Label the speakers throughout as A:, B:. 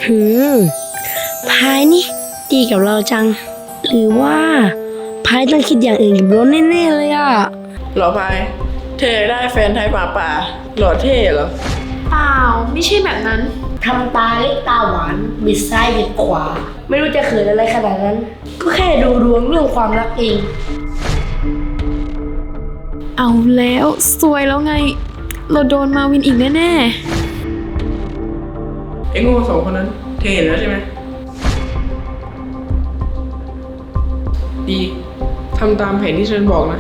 A: หืมพายนี่ดีกับเราจัง หรือว่าพายต้องคิดอย่างอื่นกับรถแน่ๆเลยอ่ะ
B: หรอพายเธอได้แฟนไทยป่าหล่อเท่เหรอ
C: เปล่าไม่ใช่แบบนั้น
A: ทำตาเล็กตาหวานบิดซ้ายบิดขวา ไม่รู้จะเขินอะไรขนาดนั้น ก็แค่ดูดวงเรื่องความรักเอง
C: เอาแล้วซวยแล้วไง เราโดนมาวินอีกแน่
B: ไอ้โง่สองคนนั้นเธอเห็นแล้วใช่ไหมดีทำตามแผนที่ฉันบอกนะ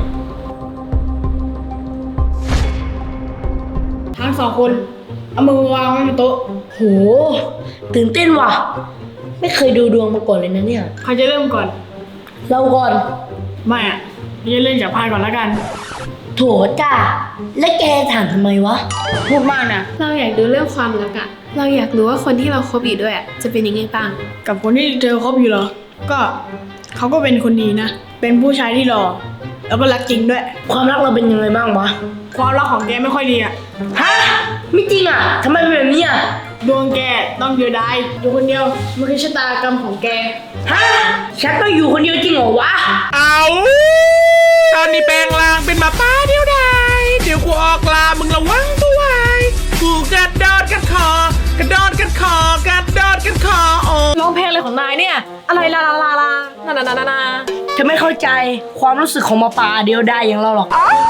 D: ทั้งสองคนเอามือวางไว้บนโต๊ะ
A: โห ตื่นเต้นว่ะ ไม่เคยดูดวงมาก่อนเลยนะเนี่ย
D: ใครจะเริ่มก่อน
A: เราก่อน
D: ไม่อะเราจะเริ่มจากพายก่อนแล้วกัน
A: โถจ้า และแกถามทำไมวะ
D: พูดมากนะ
C: ๆ เราอยากดูเรื่องความรักอะเราอยากรู้ว่าคนที่เราคบอยู่ด้วยอะจะเป็นยังไงบ้าง
D: กับคนที่เธอคบอยู่เหรอ ก็เขาก็เป็นคนดีนะ เป็นผู้ชายที่หล่อแล้วก็รักจริงด้วย
A: ความรักเราเป็นยังไงบ้างวะ
D: ความรักของแกไม่ค่อยดีอะ
A: ฮะ ไม่จริงอ่ะทำไมเป็นแบบนี้อ่ะ
D: ดวงแกต้องเดียวดายอยู่คนเดียวมันคือชะตากรรมของแก
A: ฮะ ฉันต้องอยู่คนเดียวจริงเหรอวะ
E: เอาตอนนี้แปลงร่างเป็นหมาป้าเดียวดายเดี๋ยวกูออกลามึงระวังตัวไว้กูกระโดดกันคอกระโดดกันคอกระโดดกันคอโอ้
C: ร้องเพลงอะไรของนายเนี่ย อะไรลาลาลาลานานานานานา
A: จะไม่เข้าใจความรู้สึกของหมาป่าเดียวได้อย่างเราหรอก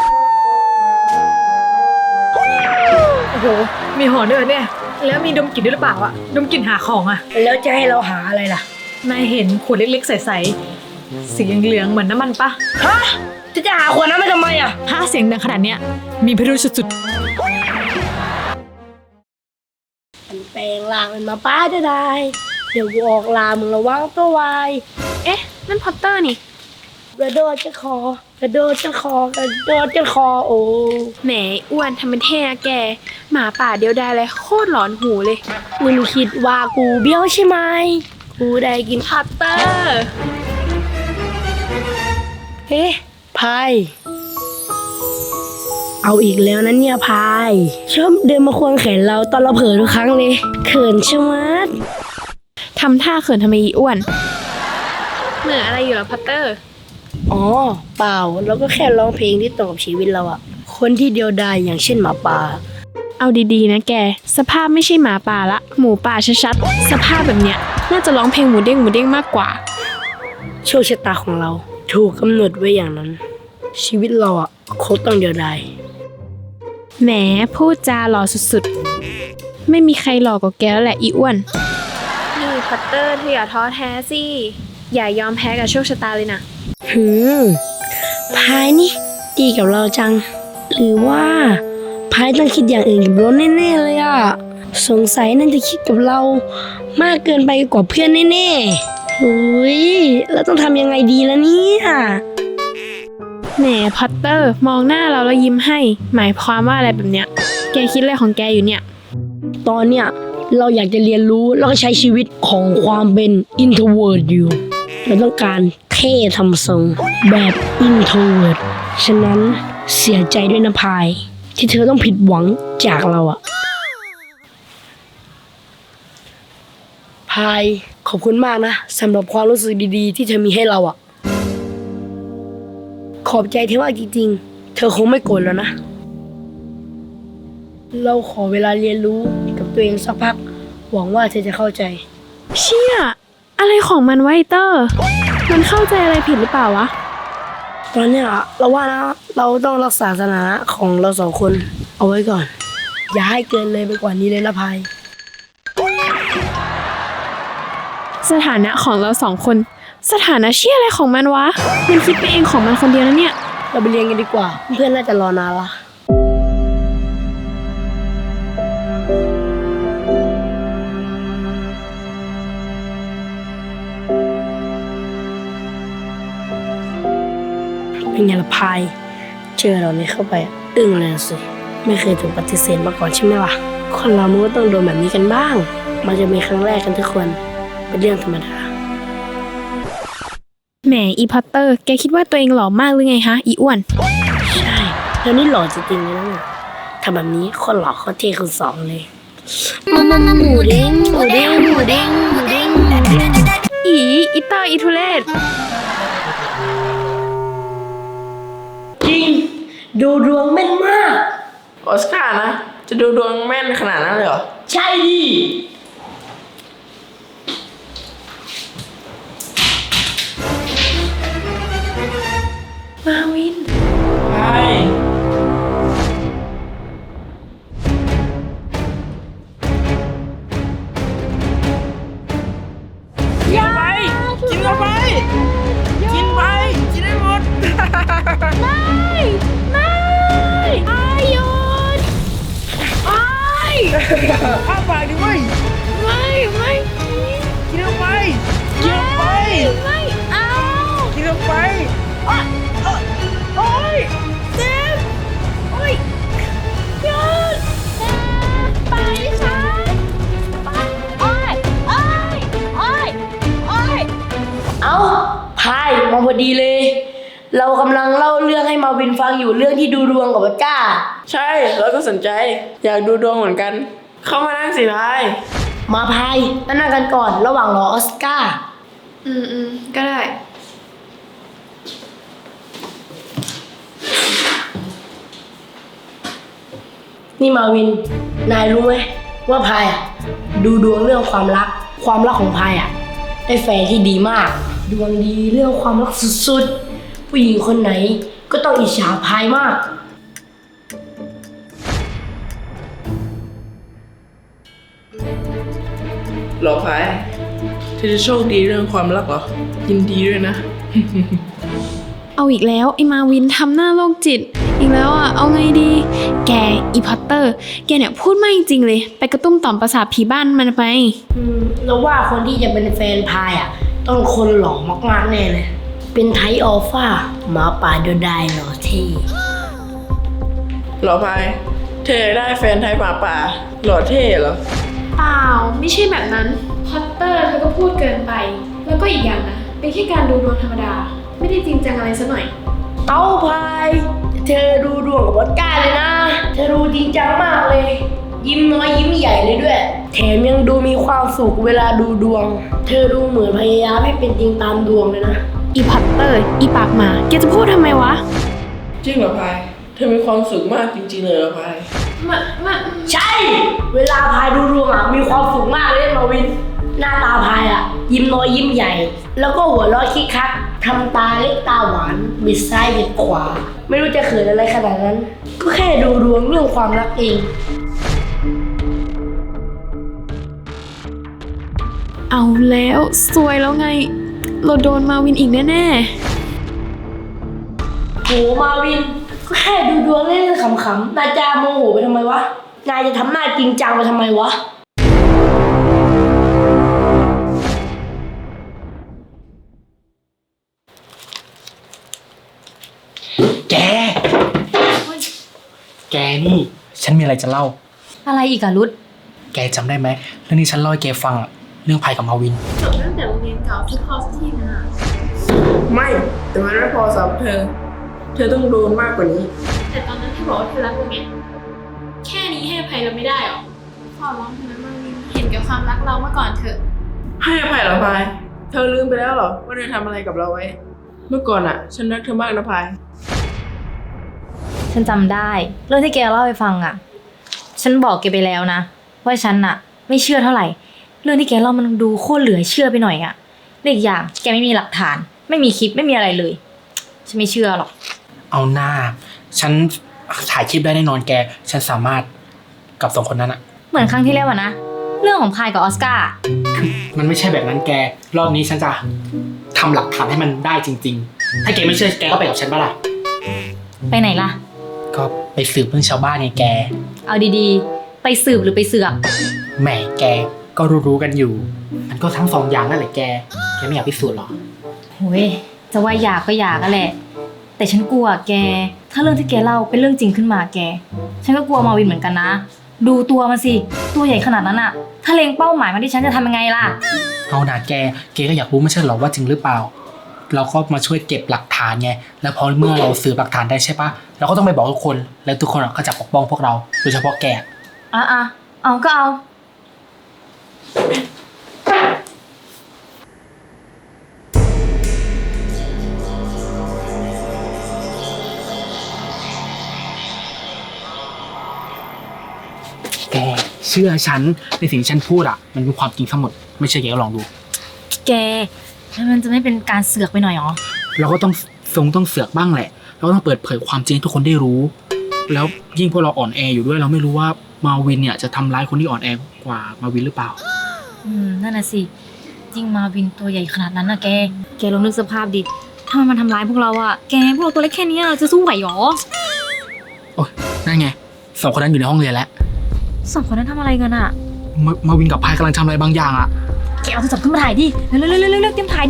D: โอ้โห มีหอด้วยเนี่ย แล้วมีดมกลิ่นด้วยหรือเปล่าอะดมกลิ่นหาของอะ
A: แล้วจะให้เราหาอะไรล่ะ
D: นายเห็นขวดเล็กๆใสๆสีเหลืองๆเหมือนน้ำมันปะ
A: ฮะ จะหาขวดนั้นไม่ทำไมอ่ะ
D: ถ้าเสียงดังขนาดเนี้ยมีพิรุธสุด
A: มันแปลงร่างเป็นหมาป่าจะได้ เดี๋ยวกูออกลามึงระวังตัวไว้
C: เอ๊ะ นั่นพอตเตอร์นี่
A: กระโดดจะคอกระโดดจะคอกระโดดจะคอโอ้
C: แหมอ้วนทำเป็นเท่นะแก หมาป่าเดียวดายเลยโคตรหลอนหูเลย
A: มึงคิดว่ากูเบี้ยวใช่ไหม กูได้กินผัก
C: เตอร์
A: เฮ้พายเอาอีกแล้วนะเนี่ยพายชอบเดินมาควงแขนเราตอนเราเผลอทุกครั้งเลย เขินชะมัด
C: ทำท่าเขินทำไมอีอ้วน เหนื่อยอะไรอยู่เหรอพัตเตอร์
A: อ๋อเปล่าเราก็แค่ร้องเพลงที่ตรงกับชีวิตเราอะคนที่เดียวดายอย่างเช่นหมาป่า
C: เอาดีๆนะแก สภาพไม่ใช่หมาป่าละ หมูป่าชัดๆ สภาพแบบเนี้ย น่าจะร้องเพลงหมูเด้งหมูเด้งมากกว่า
A: โชคชะตาของเรา ถูกกำหนดไว้อย่างนั้น ชีวิตเราอะคงต้องเดียวดาย
C: แหมพูดจาหล่อสุดๆ ไม่มีใครหล่อกว่าแกแล้วแหละอีอ้วน นี่พัตเตอร์เธออย่าท้อแท้สิ อย่ายอมแพ้กับโชคชะตาเลยนะ
A: หืมพายนี่ดีกับเราจัง หรือว่าพายต้องคิดอย่างอื่นกับรถแน่ๆเลยอะสงสัยนั่นจะคิดกับเรามากเกินไปกว่าเพื่อนแน่ๆหุยเราต้องทำยังไงดีล่ะเนี่ย
C: แหมพัตเตอร์มองหน้าเราแล้วยิ้มให้ หมายความว่าอะไรแบบเนี้ย แกคิดอะไรของแกอยู่เนี่ย
A: ตอนเนี้ยเราอยากจะเรียนรู้แล้วก็ใช้ชีวิตของความเป็น introvert อยู่เราต้องการเท่ทำทรงแบบ introvert ฉะนั้นเสียใจด้วยนะพาย ที่เธอต้องผิดหวังจากเราอะพายขอบคุณมากนะสำหรับความรู้สึกดีๆ ที่เธอมีให้เราอะขอบใจที่ว่าจริงๆเธอคงไม่โกรธแล้วนะ เราขอเวลาเรียนรู้กับตัวเองสักพัก หวังว่าเธอจะเข้าใจ
C: เชี่ย อะไรของมันไวะไอ้เตอร์ มันเข้าใจอะไรผิดหรือเปล่าวะ
A: ตอนเนี้ยเราว่านะเราต้องรักษาสถานะของเราสองคนเอาไว้ก่อน อย่าให้เกินเลยไปกว่านี้เลยนะพาย
C: สถานะของเราสองคน สถานะเชี่ยอะไรของมันวะ มันคิดไปเองของมันคนเดียวนะเนี่ย
A: เราไปเรียนกันดีกว่า เพื่อนน่าจะรอนานละเป็นไงล่ะพาย เจอเราเนี่ยเข้าไปอึ้งเลยสิ ไม่เคยถูกปฏิเสธมาก่อนใช่ไหมล่ะ คนเรามันก็ต้องโดนแบบนี้กันบ้าง มันจะมีครั้งแรกกันทุกคนเป็นเรื่องธรรมดา
C: แหมอีพอตเตอร์ แกคิดว่าตัวเองหล่อมากหรือไงฮะ อีอ้วน
A: ใช่แล้วนี่หล่อจริงๆเลยนะเนี่ยทำแบบนี้คนหล่อเขาเท่คนสองเลยหมูเด้งหมูเด้งหมูเด้งดูดวงแม่นมาก
B: ออสการ์นะ จะดูดวงแม่นขนาดนั้นเลยเหรอ
A: ใช่ดิ
C: มาวิน
B: ใช่
E: กินไป กินเข้าไป กินไป กินให้หมด อ้าปากดิเว้ยกินเข้าไป กินเข้าไป กินเข้าไปโอ๊ยเจ็บ
A: เอ้าพายมาพอดีเลย เรากำลังเล่าเรื่องให้มาวินฟังอยู่เรื่องที่ดูดวงกับวัดก้า
B: ใช่ แล้วก็สนใจ อยากดูดวงเหมือนกัน เข้ามานั่งสิพาย
A: มาพายมานั่งกันก่อนระหว่างรอออสการ์
C: ก็ได้
A: นี่มาวิน นายรู้ไหมว่าพายอ่ะดูดวงเรื่องความรักของพายอ่ะได้แฟนที่ดีมาก ดวงดีเรื่องความรักสุดๆ ผู้หญิงคนไหนก็ต้องอิจฉาพายมาก
B: หรอพายเธอจะโชคดีเรื่องความรักเหรอ ยินดีด้วยนะ
C: เอาอีกแล้วไอ้มาวินทำหน้าโรคจิต อีกแล้วอ่ะ เอาไงดี แกอีพอตเตอร์ แกเนี่ยพูดไม่จริงเลย ไปกระตุ้มต่อมประสาทผีบ้านมันไป
A: แล้วว่าคนที่จะเป็นแฟนพายอ่ะต้องคนหล่อมากๆแน่เลย เป็นไทป์อัลฟาหมาป่าเดียวดายหล่อเท่
B: หรอพาย เธอได้แฟนไทยหมาป่า หล่อเท่เหรอ
C: เปล่า ไม่ใช่แบบนั้น พอตเตอร์เธอก็พูดเกินไป แล้วก็อีกอย่างนะ เป็นแค่การดูดวงธรรมดา ไม่ได้จริงจังอะไรซะหน่อย
A: เอ้าพายเธอดูดวงกับวัดก้าเลยนะ เธอดูจริงจังมากเลย ยิ้มน้อยยิ้มใหญ่เลยด้วย แถมยังดูมีความสุขเวลาดูดวง เธอดูเหมือนพยายามให้เป็นจริงตามดวงเลยนะ
C: อีพอตเตอร์ อีปากหมา แกจะพูดทำไมวะ
B: จริงเหรอพาย เธอมีความสุขมากจริงๆเลยเหรอพาย
A: ใช่ เวลาพายดูดวงอ่ะมีความสุขมากเลยมาวิน หน้าตาพายอ่ะ ยิ้มน้อยยิ้มใหญ่ แล้วก็หัวเราะคิกคักทำตาเล็กตาหวานบิดซ้ายบิดขวา ไม่รู้จะเขินอะไรขนาดนั้น ก็แค่ดูดวงเรื่องความรักเอง
C: เอาแล้วซวยแล้วไง เราโดนมาวินอีกแน่
A: โหมาวิน ก็แค่ดูดวงเล่นๆขำๆนายจะโมโหไปทำไมวะ นายจะทำหน้าจริงจังไปทำไมวะ
F: แกนี่ฉันมีอะไรจะเล่า
G: อะไรอีกอะรุด
F: แกจำได้ไหมเรื่องที่ฉันเล่าให้แกฟังอะเรื่องพายกับมาวิน
C: ๆจบตั้งแต่โรงเรียนเก่าทุกพอสักทีนะ
B: ไม่ แต่มันไม่พอสำหรับเธอ เธอต้องโดนมากกว่านี้
C: แต่ตอนนั้นเธอบอกว่าเธอรักเราไง แค่นี้ให้อภัยเราไม่ได้หรอ ขอร้องเธอนะมาวิน เห็นแกับความรักเรามาก่อนเถอะ
B: ให้อภัยเหรอพาย เธอลืมไปแล้วเหรอว่าเธอทำอะไรกับเราไว้ เมื่อก่อนอะฉันรักเธอมากนะพาย
G: ฉันจำได้ เรื่องที่แกเล่าให้ฟังอะฉันบอกแกไปแล้วนะ ว่าฉันอะไม่เชื่อเท่าไหร่ เรื่องที่แกเล่ามันดูโคตรเหลือเชื่อไปหน่อยอะและอีกอย่างแกไม่มีหลักฐาน ไม่มีคลิปไม่มีอะไรเลย ฉันไม่เชื่อหรอก
F: เอาหน้า ฉันถ่ายคลิปได้แน่นอนแก ฉันสามารถกับสองคนนั้นอะ
G: เหมือนครั้งที่แล้วอะนะ เรื่องของพายกับออสการ์
F: มันไม่ใช่แบบนั้นแก รอบนี้ฉันจะทำหลักฐานให้มันได้จริง ๆ ถ้าแกไม่เชื่อแกก็ไปกับฉันปะล่ะ
G: ไปไหนล่ะ
F: ก็ไปสืบเรื่องชาวบ้านไงแก
G: เอาดีๆ ไปสืบหรือไปเสือก
F: แหมแกก็รู้ๆกันอยู่ มันก็ทั้งสองอย่างนั่นแหละแก แกไม่อยากพิสูจน์หรอ
G: โอ้ยจะว่าอยากก็อยากก็แหละ แต่ฉันกลัวแก ถ้าเรื่องที่แกเล่าเป็นเรื่องจริงขึ้นมาแก ฉันก็กลัวมาวินเหมือนกันนะ ดูตัวมันสิ ตัวใหญ่ขนาดนั้นอะถ้าเล็งเป้าหมายมาที่ฉันจะทำยังไงล่ะ
F: เอาหนาแกก็อยากรู้ไม่ใช่หรอว่าจริงหรือเปล่า เราก็มาช่วยเก็บหลักฐานไง แล้วพอเมื่อเราสืบหลักฐานได้ใช่ปะเราก็ต้องไปบอกทุกคน แล้วทุกคนก็จะปกป้องพวกเรา โดยเฉพาะแก
G: เอาก็เอา
F: ชื่อฉันในสิ่งที่ฉันพูดอ่ะมันเป็นความจริงทั้งหมดไม่เชื่อแกก็ลองดู
G: แกแล้วมันจะไม่เป็นการเสือกไปหน่อยหรอ
F: เราก็ต้องต้องเสือกบ้างแหละเราก็ต้องเปิดเผยความจริงให้ทุกคนได้รู้ แล้วยิ่งพวกเราอ่อนแออยู่ด้วยเราไม่รู้ว่ามาวินเนี่ยจะทำร้ายคนที่อ่อนแอกว่ามาวินหรือเปล่า
G: นั่นน่ะสิจริงมาวินตัวใหญ่ขนาดนั้นนะแกลองนึกสภาพดิถ้ามันทำร้ายพวกเราอะแกพวกเราตัวเล็กแค่นี้จะสู้ไหวหรอ
F: โอ้ยนั่นไงสองคนนั้นอยู่ในห้องเรียนแล้ว
G: สองคนนั้นทำอะไรกันอะ
F: มาวินกับพายกำลังทำอะไรบางอย่างอ่ะ
G: แกเอาโทรศัพท์ขึ้นมาถ่ายดิเร็วๆๆๆๆเตรียมถ่ายดิ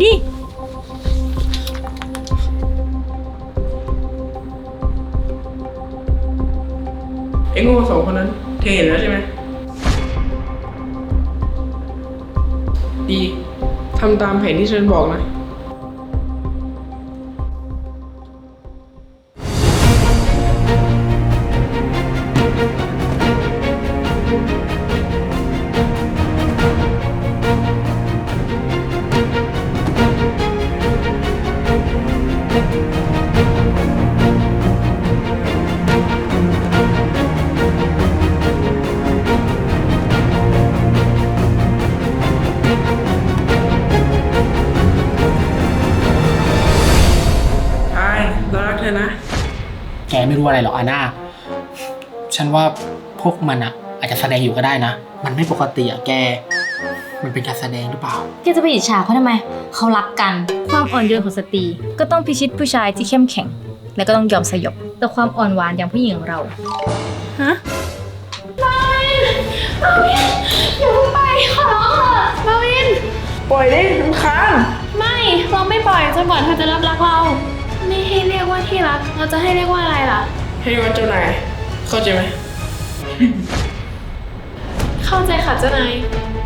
B: ไอ้โง่สองคนนั้นเธอเห็นแล้วใช่ไหมดีทำตามแผนที่ฉันบอกนะ พายเรารักเธอนะ
F: แกไม่รู้อะไรหรอกอาน่าฉันว่าพวกมันอ่ะอาจจะแสดงอยู่ก็ได้นะมันไม่ปกติอ่ะแกมันเป็นการแสดงหรือเปล่า
G: แกจะไปอิจฉาเขาทำไมเขารักกันความอ่อนโยนของสตรีก็ต้องพิชิตผู้ชายที่เข้มแข็ง และก็ต้องยอมสยบต่อความอ่อนหวานอย่างผู้หญิงของเรา
B: ปล่อยดิรำคาญ
C: ไม่เราไม่ปล่อยจนกว่าเธอจะรับรักเรา ไม่ให้เรียกว่าที่รัก เราจะให้เรียกว่าอะไรล่ะ
B: ให้วันเจ้านายเข้าใจไหม
C: เข้าใจค่ะเจ้านาย
B: ไ